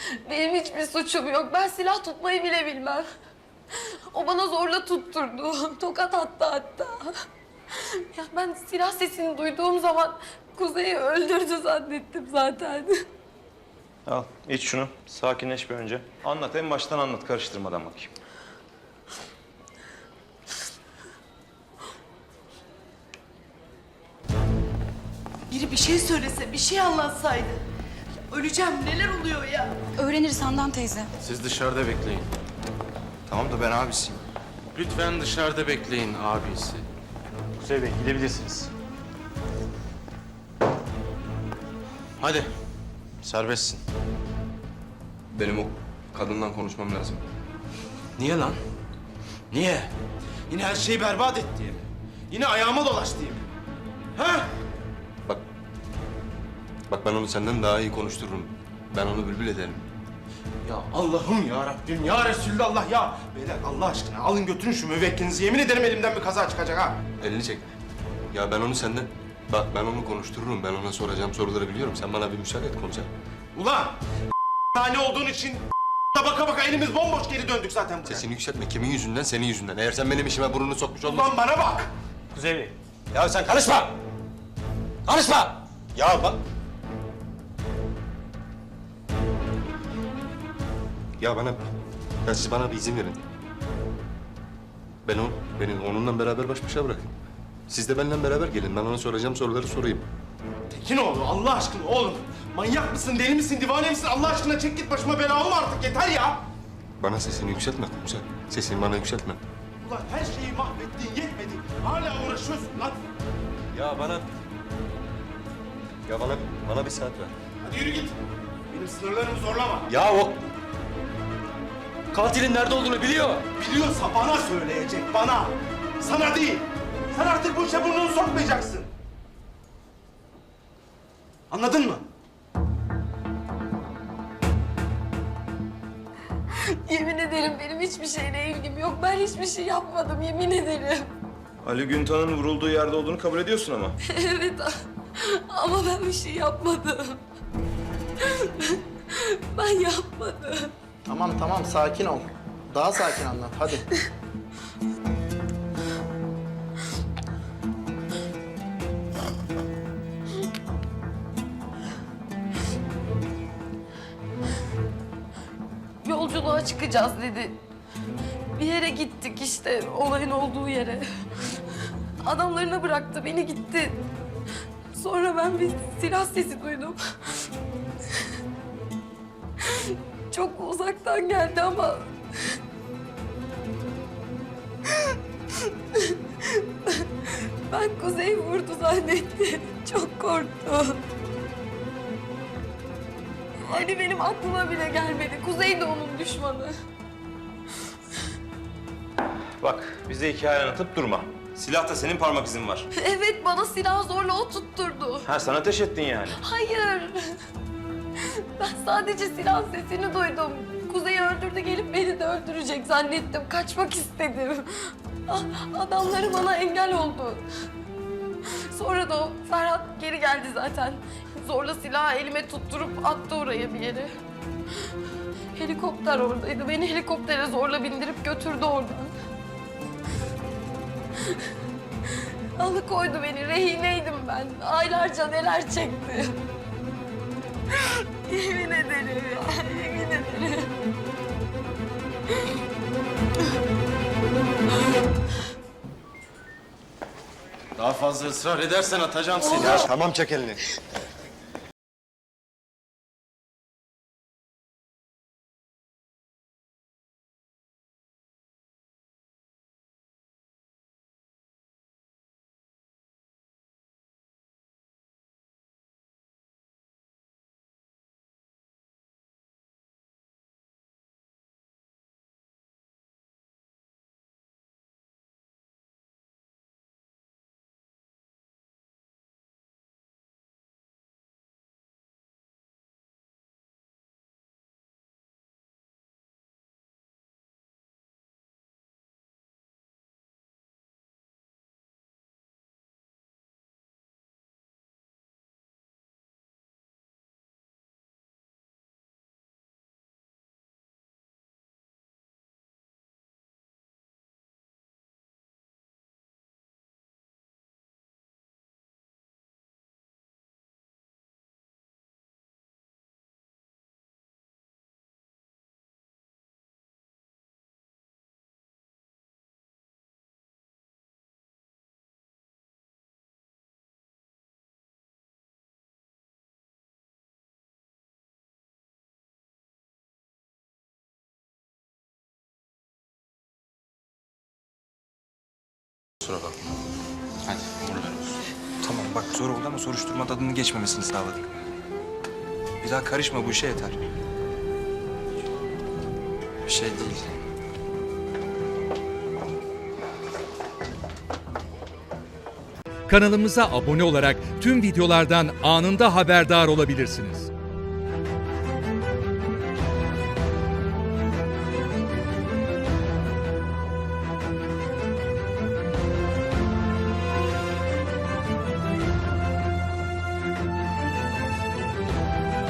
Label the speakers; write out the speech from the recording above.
Speaker 1: Benim hiçbir suçum yok. Ben silah tutmayı bile bilmem. O bana zorla tutturdu. Tokat attı hatta. Ya ben silah sesini duyduğum zaman Kuzey'i öldürdü zannettim zaten.
Speaker 2: Al, iç şunu. Sakinleş bir önce. Anlat, en baştan anlat. Karıştırmadan bakayım.
Speaker 3: Biri bir şey söylese, bir şey anlatsaydı. Ya öleceğim, neler oluyor ya?
Speaker 4: Öğreniriz Handan teyze.
Speaker 5: Siz dışarıda bekleyin.
Speaker 6: Tamam da ben abisiyim.
Speaker 5: Lütfen dışarıda bekleyin abisi.
Speaker 2: Kuzey Bey, gidebilirsiniz.
Speaker 5: Hadi. Serbestsin.
Speaker 6: Benim o kadından konuşmam lazım.
Speaker 5: Niye lan? Niye? Yine her şeyi berbat et diye mi? Yine ayağıma dolaş diye mi? Ha?
Speaker 6: Bak. Bak ben onu senden daha iyi konuştururum. Ben onu bülbül ederim.
Speaker 5: Ya Allah'ım ya Rabbim ya Resulallah ya. Beyler Allah aşkına alın götürün şu müvekkilinizi. Yemin ederim elimden bir kaza çıkacak ha.
Speaker 6: Elini çek. Ya ben onu senden... Bak ben onu konuştururum. Ben ona soracağım soruları biliyorum. Sen bana bir müsaade et konuşalım.
Speaker 5: Ulan tane olduğun için baka baka elimiz bomboş geri döndük zaten buraya.
Speaker 6: Sesini yükseltme. Kimin yüzünden? Senin yüzünden. Eğer sen benim işime burnunu sokmuş olmasan...
Speaker 5: Ulan bana bak.
Speaker 2: Kuzey Bey.
Speaker 6: Ya sen karışma! Karışma! Ya bak... Ya bana... Ya siz bana bir izin verin. Beni onunla beraber baş başa bırakın. Siz de benimle beraber gelin. Ben ona soracağım soruları sorayım.
Speaker 5: Tekinoğlu Allah aşkına oğlum. Manyak mısın, deli misin, divane misin? Allah aşkına çek git başıma bela olma artık yeter ya.
Speaker 6: Bana sesini yükseltme komiser. Sesini bana yükseltme.
Speaker 5: Ulan her şeyi mahvettin yetmedi. Hala uğraşıyorsun lan.
Speaker 6: Ya bana bir saat ver.
Speaker 5: Hadi yürü git. Benim sınırlarımı zorlama.
Speaker 6: Ya o... Katilin nerede olduğunu biliyor.
Speaker 5: Biliyorsa bana söyleyecek, bana. Sana değil. Sen artık bu işe burnunu sokmayacaksın. Anladın mı?
Speaker 1: Yemin ederim benim hiçbir şeyle ilgim yok. Ben hiçbir şey yapmadım yemin ederim.
Speaker 2: Ali Güntan'ın vurulduğu yerde olduğunu kabul ediyorsun ama.
Speaker 1: Evet ama ben bir şey yapmadım. Ben yapmadım.
Speaker 7: Tamam sakin ol. Daha sakin anlat hadi.
Speaker 1: Yolculuğa çıkacağız dedi. Bir yere gittik işte olayın olduğu yere. Adamlarına bıraktı beni gitti. Sonra ben bir silah sesi duydum. Çok uzaktan geldi ama... Ben Kuzey vurdu zannettim. Çok korktum. Ali benim aklıma bile gelmedi. Kuzey de onun düşmanı.
Speaker 2: Bak, bize hikaye anlatıp durma. Silahta senin parmak izin var.
Speaker 1: Evet bana silah zorla o tutturdu.
Speaker 2: Ha, sen ateş ettin yani.
Speaker 1: Hayır. Ben sadece silah sesini duydum. Kuzey'i öldürdü gelip beni de öldürecek zannettim. Kaçmak istedim. Adamları bana engel oldu. Sonra da o Ferhat geri geldi zaten. Zorla silahı elime tutturup attı oraya bir yere. Helikopter oradaydı. Beni helikoptere zorla bindirip götürdü oradan. Alıkoydu beni. Rehineydim ben. Aylarca neler çektim. Yemin ederim ya. Yemin ederim.
Speaker 5: Daha fazla ısrar edersen atacağım seni.
Speaker 6: Tamam çek elini. kusura bakma.
Speaker 4: Hadi bunu ver olsun. Tamam bak zor oldu ama soruşturma tadının geçmemesini sağladık. Bir daha karışma bu işe yeter. Bir şey değil.
Speaker 8: Kanalımıza abone olarak tüm videolardan anında haberdar olabilirsiniz.